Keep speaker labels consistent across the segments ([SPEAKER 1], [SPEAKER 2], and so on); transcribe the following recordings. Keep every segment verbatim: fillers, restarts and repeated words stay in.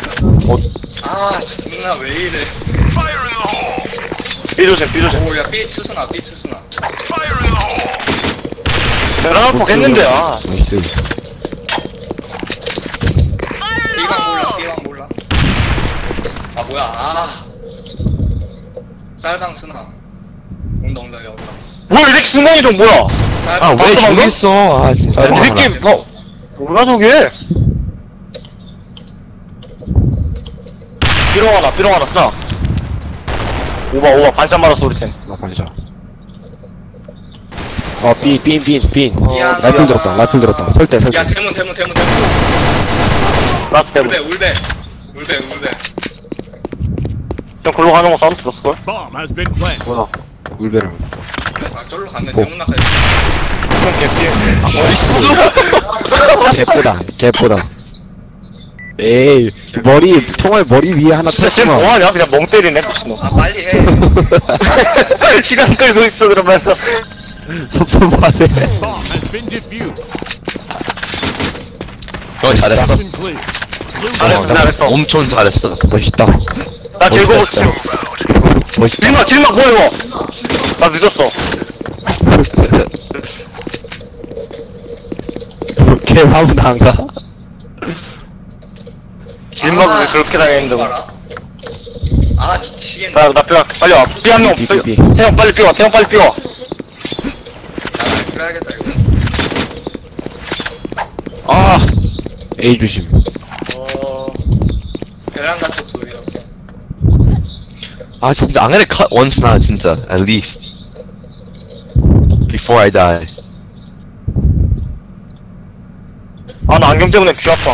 [SPEAKER 1] 아 존나 왜 이래.
[SPEAKER 2] 삐조심 삐조심
[SPEAKER 1] 오야 삐 투스나 삐 투스나.
[SPEAKER 2] 베라나폭 했는데 아
[SPEAKER 3] 나이스.
[SPEAKER 1] 뭐야, 아. 쌀방 쓰나. 온다, 온다, 야, 온다.
[SPEAKER 2] 뭐야, 이 새끼 순간이동 뭐야?
[SPEAKER 1] 쌀방.
[SPEAKER 3] 아, 왜 저기 있어? 아, 진짜.
[SPEAKER 2] 야, 이 새끼, 뭐, 뭐야, 저게? 삐롱 하나, 삐롱 하나, 쓰나? 오바, 오바, 반찬 맞았어, 우리 팀.
[SPEAKER 4] 나 반샷. 어, 빈, 빈, 빈, 빈.
[SPEAKER 1] 미안하다.
[SPEAKER 4] 라이플 들었다, 라이플 들었다. 설대, 설대.
[SPEAKER 1] 야, 대문, 대문, 대문, 대문.
[SPEAKER 2] 라스트
[SPEAKER 1] 울베,
[SPEAKER 2] 대본.
[SPEAKER 1] 울베. 울베, 울베.
[SPEAKER 2] 형, 글로 가는 거 사운드 들었을걸?
[SPEAKER 5] Bomb has been planted.
[SPEAKER 4] 뭐야? 울베를.
[SPEAKER 1] 아, 절로 갔네.
[SPEAKER 4] 뭐.
[SPEAKER 1] 대문 나까지.
[SPEAKER 2] 형, 개피.
[SPEAKER 3] 어딨어?
[SPEAKER 4] 개보다, 개보다. 에이, 머리, 총알 머리 위에 하나
[SPEAKER 2] 진짜 지금
[SPEAKER 4] 쳤구나.
[SPEAKER 2] 뭐하냐? 그냥 멍 때리네, 미친놈.
[SPEAKER 1] 아, 빨리 해.
[SPEAKER 2] 시간 끌고 있어, 그러면서.
[SPEAKER 4] 섭섭하네.
[SPEAKER 5] Bomb has been defused.
[SPEAKER 3] 어, 잘했어.
[SPEAKER 5] Mission clear. Blue
[SPEAKER 2] 잘했어,
[SPEAKER 5] team
[SPEAKER 2] 잘했어.
[SPEAKER 3] 엄청 잘했어.
[SPEAKER 4] 멋있다.
[SPEAKER 2] 나 즐거워,
[SPEAKER 4] 멋있다.
[SPEAKER 2] 지금.
[SPEAKER 4] 멋있다.
[SPEAKER 2] 길막, 길막, 뭐야, 이거? 나 늦었어.
[SPEAKER 4] 걔 화분 안 가?
[SPEAKER 2] 길막을 왜 그렇게 당했는데. 뭐.
[SPEAKER 1] 봐라. 아, 미치겠네.
[SPEAKER 2] 나, 나, 삐, 빨리 와. 삐 한 명,
[SPEAKER 4] 삐,
[SPEAKER 2] 삐,
[SPEAKER 4] 삐, 삐.
[SPEAKER 2] 태형 빨리 삐 와, 태형 빨리 삐 와.
[SPEAKER 1] 나 그래야겠다, 이거.
[SPEAKER 4] 아! A 조심.
[SPEAKER 1] 어, 베란다 쪽 둘이었어.
[SPEAKER 3] 아, 진짜, I'm gonna cut once now, 진짜. At least. Before I die.
[SPEAKER 2] 아, 나 안경 때문에 귀 아파.
[SPEAKER 1] 야,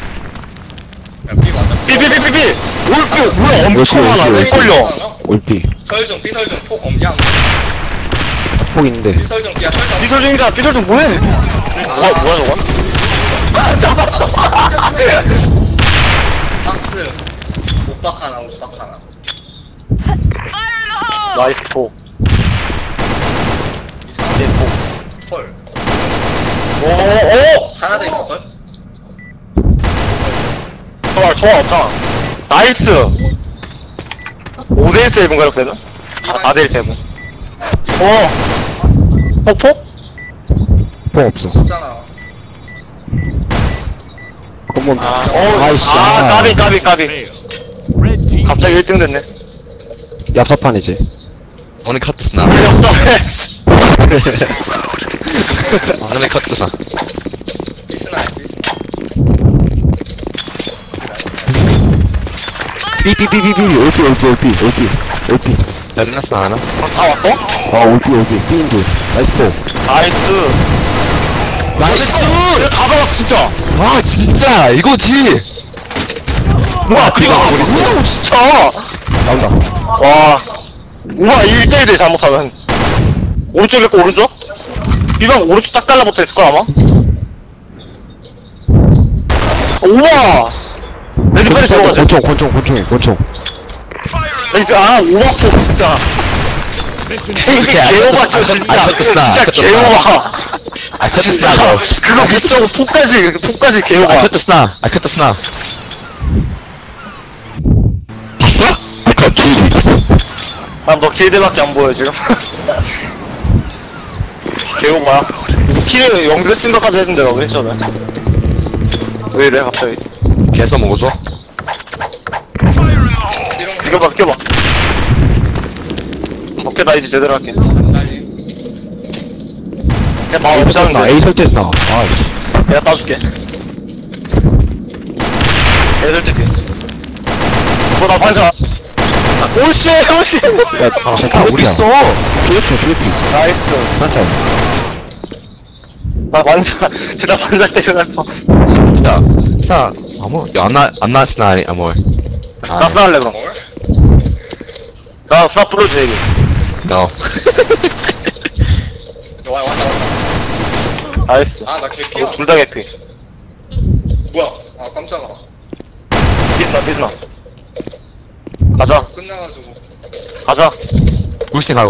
[SPEAKER 1] 삐 맞아.
[SPEAKER 2] 삐, 삐, 삐, 삐, 삐! 올삐, 뭐야, 엄청
[SPEAKER 4] 올삐,
[SPEAKER 2] 많아.
[SPEAKER 4] 올삐,
[SPEAKER 2] 왜
[SPEAKER 4] 올삐.
[SPEAKER 2] 걸려?
[SPEAKER 4] 올피.
[SPEAKER 1] 설중, 삐설중, 폭 엄량.
[SPEAKER 4] 폭 있는데.
[SPEAKER 1] 삐설중, 삐야, 설중.
[SPEAKER 2] 삐설 중이다, 삐설 중 뭐해? 뭐야, 뭐야, 저건? 아, 잡았어!
[SPEAKER 1] 박스. 옷박 하나, 옷박 하나.
[SPEAKER 2] 나이스 포. 네, 포.
[SPEAKER 1] 헐.
[SPEAKER 2] 오, 오!
[SPEAKER 1] 하나 더 있을걸?
[SPEAKER 2] 좋아, 좋아, 없잖아. 나이스! 오 대 일 세이브인가, 이렇게 되면? 사 대 일 세이브. 오! 폭폭?
[SPEAKER 4] 폭 없어.
[SPEAKER 1] 없잖아.
[SPEAKER 4] 검은.
[SPEAKER 2] 아, 어,
[SPEAKER 4] 아이씨.
[SPEAKER 2] 아, 까비, 까비, 까비.
[SPEAKER 5] failed. Red team
[SPEAKER 2] 갑자기 일 등 됐네.
[SPEAKER 4] 얍삽판이지.
[SPEAKER 3] I'm gonna cut this now.
[SPEAKER 2] 필요 없어.
[SPEAKER 3] I'm gonna cut this now.
[SPEAKER 1] 삐스나, 삐스.
[SPEAKER 4] 삐삐삐삐삐. 올피, 올피, 올피, 올피. 올피.
[SPEAKER 3] 잘했어, 하나?
[SPEAKER 2] 그럼 다 왔어?
[SPEAKER 4] 아, 올피, 올피. 삐인들. 나이스 폭.
[SPEAKER 2] 나이스.
[SPEAKER 3] 나이스!
[SPEAKER 2] 이거 다 박았어, 진짜.
[SPEAKER 3] 아, 진짜! 이거지!
[SPEAKER 2] 뭐야, 그거
[SPEAKER 3] 그거
[SPEAKER 2] 안 뭐라고, 진짜.
[SPEAKER 4] 나온다.
[SPEAKER 2] 와. 우와, 일 대 일 대 잘못하면. 오른쪽일 거, 오른쪽? 비방 오른쪽 딱 달라붙어 있을걸, 아마? 우와! 레드 빨리 들어가자.
[SPEAKER 4] 권총, 권총, 권총이, 권총.
[SPEAKER 2] 레드, 아, 오박소, 진짜.
[SPEAKER 5] mission
[SPEAKER 2] 이게
[SPEAKER 3] 안
[SPEAKER 2] 개오바,
[SPEAKER 3] 쳤-
[SPEAKER 2] 진짜.
[SPEAKER 3] 안 쳤겠다, 안
[SPEAKER 2] 진짜
[SPEAKER 3] 쳤겠다.
[SPEAKER 2] 개오바.
[SPEAKER 3] I cut this
[SPEAKER 2] 진짜.
[SPEAKER 3] now.
[SPEAKER 2] 그거 미쳐고 폭까지, 폭까지 개오바.
[SPEAKER 3] I cut this now. I cut this now. 봤어? I cut two.
[SPEAKER 2] 난 너 길드밖에 안 보여, 지금. 개오바야. 키를 영대 생각까지 했는데, 너 왜 저래? 왜 이래, 갑자기?
[SPEAKER 3] 개서 먹어줘.
[SPEAKER 2] 이겨봐, 이겨봐. 오케이, 나 이제 제대로 할게.
[SPEAKER 1] 빨리.
[SPEAKER 2] 그냥 마음
[SPEAKER 4] A 설때 나,
[SPEAKER 2] 없자는데.
[SPEAKER 4] A 설때 나. 아이씨.
[SPEAKER 2] 내가 따줄게. 애들 때. 뭐, 나 반사. 오씨, 오씨.
[SPEAKER 4] 야,
[SPEAKER 3] 아,
[SPEAKER 4] 아,
[SPEAKER 3] 우리 있어.
[SPEAKER 4] 필리핀, 필리핀.
[SPEAKER 2] 나이스.
[SPEAKER 4] 한참.
[SPEAKER 2] 나 반사, 진짜 반사 때려갈 뻔.
[SPEAKER 3] 진짜. 사, 아무, I'm not, I'm not snide, amor.
[SPEAKER 2] 나 스나할래, 그럼.
[SPEAKER 1] 뭘?
[SPEAKER 2] 나 스나 불러줘, 얘기.
[SPEAKER 3] No.
[SPEAKER 1] 와, 왔다, 왔다.
[SPEAKER 2] 나이스.
[SPEAKER 1] 아, 나 개피야.
[SPEAKER 2] 둘 다 개피.
[SPEAKER 1] 뭐야? 아, 깜짝아.
[SPEAKER 2] 비스나, 비스나. 가자,
[SPEAKER 1] 끝나가지고.
[SPEAKER 2] 가자.
[SPEAKER 3] 울생하고.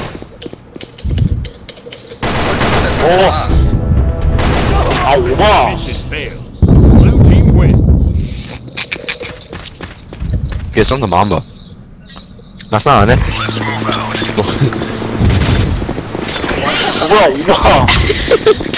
[SPEAKER 2] 오.
[SPEAKER 1] 아,
[SPEAKER 2] 아, 오바.
[SPEAKER 5] mission failed. Blue team wins.
[SPEAKER 3] Get some the mamba. That's not on it.
[SPEAKER 2] 뭐야, 오바.